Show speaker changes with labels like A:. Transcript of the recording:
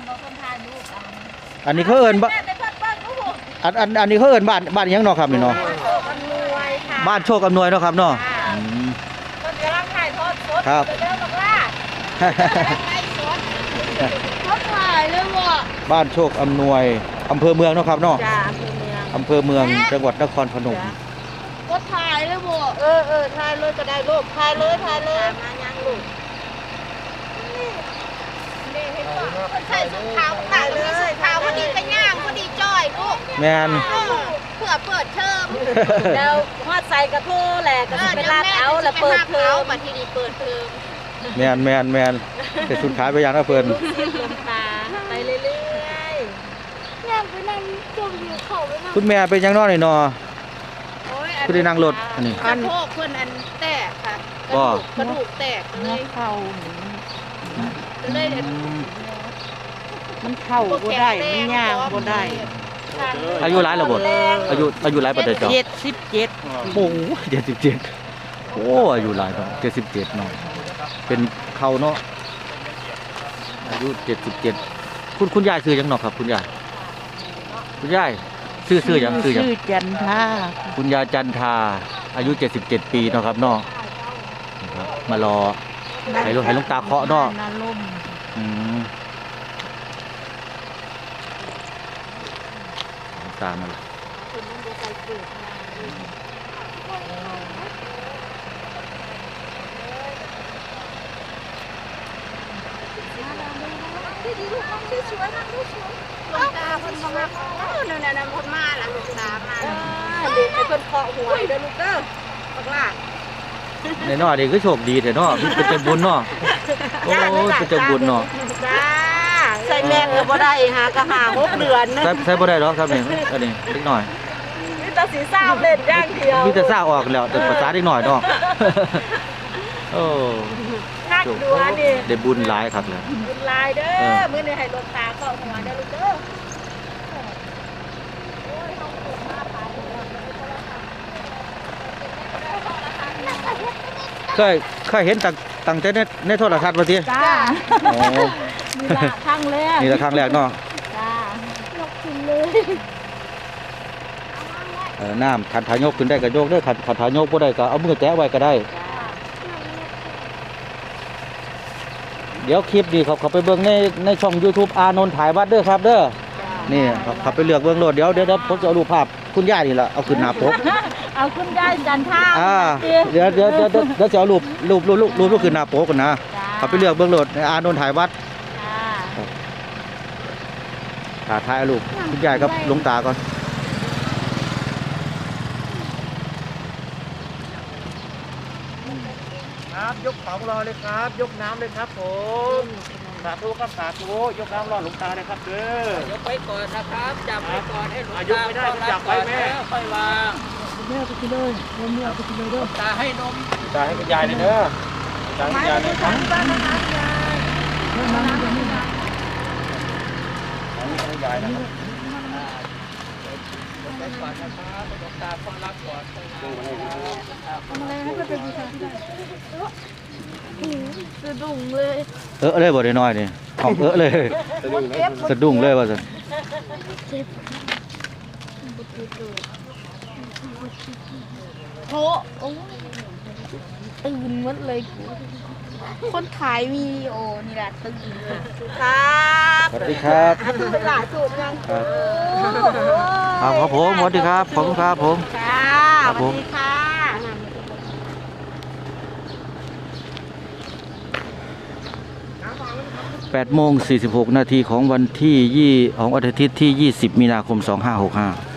A: อันนี้เขาเอิ้นบ้านอันนี้เขาเอิ้นบ้านยังเนาะครับนี่เนาะบ้านโชคอำนวยเนาะครับเนาะ
B: คนกำลังถ่ายทอดสด
A: ครับ
B: เดินบอกว่าเขาถ่ายเลยว่ะ
A: บ้านโชคอำนวยอำเภอเมืองเนาะครับเนาะ
B: จ้า
A: อำเภอเมืองจังหวัดนครพนม
B: ก็ถ่ายเลยว่ะถ่ายเลยก็ได้ลูกถ่ายเลยมายังลูกนี่เห็นป่ะใส่สุดขาวต่างเลยสุดขาวพอดีกระย่างพอดีจ้อยลูก
A: แมน
B: เพื่อเปิดเทอมแล้วฮอดใส่กระทู้แหละก็จะเป็นลาดเอาแล้วเปิดเทอมมาที่นี่เปิดเทอม
A: แมนแต่สุดท้ายไปยังนะเพิ่น
B: ลมตาไปเรื่อยๆยังไปนั่งจมอยู่เขาไปนั่ง
A: คุณแม่เป็นยังนอนนี่เนาะคุณได้นั่งรถอันนี้
B: กระโถกเพิ่นอันแตกค่ะกระดูกแตกเลย
C: เข่า
B: เลย
C: มันเข่าบ่ได้มันย่างบ่ได้
A: อายุหลายแล้วบ่อายุหลายปานใดจ้ะ
C: 77
A: โอ้77โอ้อายุหลายครับ77เนาะเป็นเข่าเนาะอายุ77คุณยายชื่อหยังเนาะครับคุณยายชื่อหยัง
C: ชื่อจันทา
A: คุณยายจันทาอายุ77ปีเนาะครับเนาะนะครับมารอให้ลูกตาเคาะเนาะตามมาเลย
B: ลูกตาเพิ่นมานั่นเพิ่นมาล่ะลูกตามาเด็กเพิ่นเคาะหัวเด้อลูกเด้อบักล่ะ
A: ในน้อเด็กก็โชคดีแต่เนาะเป็นใจบุญเนาะโอ้เป็นใจบุญเนาะ
B: จ้าใส่แม่ก็บ่ได้หากะหา6 เดือนนะ
A: ใส่บ่ได้หรอกครับนี่อันนี้เล็กน้อย
B: มีแต่สีซ้าเล่นอย่างเดียว
A: มีแต่ซ่าออกแล้วแต่ภาษาเล็กน้อยเนาะโอ้
B: นักดูอันนี้
A: ได้บุญหลายครับเลย
B: บุญหลายเด้อมื้อนี้ให้ลูกตาเคาะหัวเด้อลูกเด้อ
A: เคยเห็นตั้งแต่ในโทรทัศน์ว่าติ
B: จ้าโอ้นี่ละครั้งแรก
A: เนาะ
B: จ้ายกขึ้นเลย
A: น้ำขันถ่ายยกขึ้นได้ก็ยกได้ขันถ่ายยกบ่ได้ก็เอามือแตะไว้ก็ได้เดี๋ยวคลิปนี้เขาไปเบิ่งในช่อง YouTube อานนท์ถ่ายวัดเด้อครับเด้อนี่เขาไปเลือกเบิ่งโลดเดี๋ยวผมจะเอารูปภาพคุณย่านี่ล่ะเอาขึ้นหน้าปก
B: เอาคุณยายจันทา
A: เดี๋ยวจะเอารูปขึ้นหน้าปกกันนะเขาไปเลือกเบื้องโหลดอานนท์ถ่ายวัดถ่ายรูปคุณยายกับหลวงตาก่อน
D: ครับยกของรอเลยครับยกน้ำเลยครับผมสาธุครับสาธุยกน้ำรอหลวงตาเลยครับเด้อย
C: กไปก่อนนะครับจับไปก่อนให้หลวง
D: ตายกไม่ได้จับไว้แม่
C: ค่อยวาง
B: แม่ไปกินเลยแม่ไปกินเลยเด้อ
C: ตาให้นม
D: ตาให้คุณยายเลยเด้อตาให้คุณยายเลยครับ
B: บ้านนะคะยายน้ำยังไม่ได้
D: ให้ยายนะครับ
C: ไปก่อนนะครับหลวงตาพ่อรับก่อน
B: ทำอะไรให้ก็เป็นบูชาที่ได้สะดุ้งเลย
A: เลยบ่ได้น้อยนี่ของเลยสะดุ้งเลยว่าซั่น
B: โหตื่นหมดเลยคนถ่ายวีดีโอนี่แหละตื่นครับ
A: สวัสดีครับ
B: หลายสูตรยัง
A: ครับผมสวัสดีครับผมครับผม
B: ค่ะสวัสดีค่ะ
A: 8:46 นาทีของวันที่ของอาทิตย์ที่20 มีนาคม 2565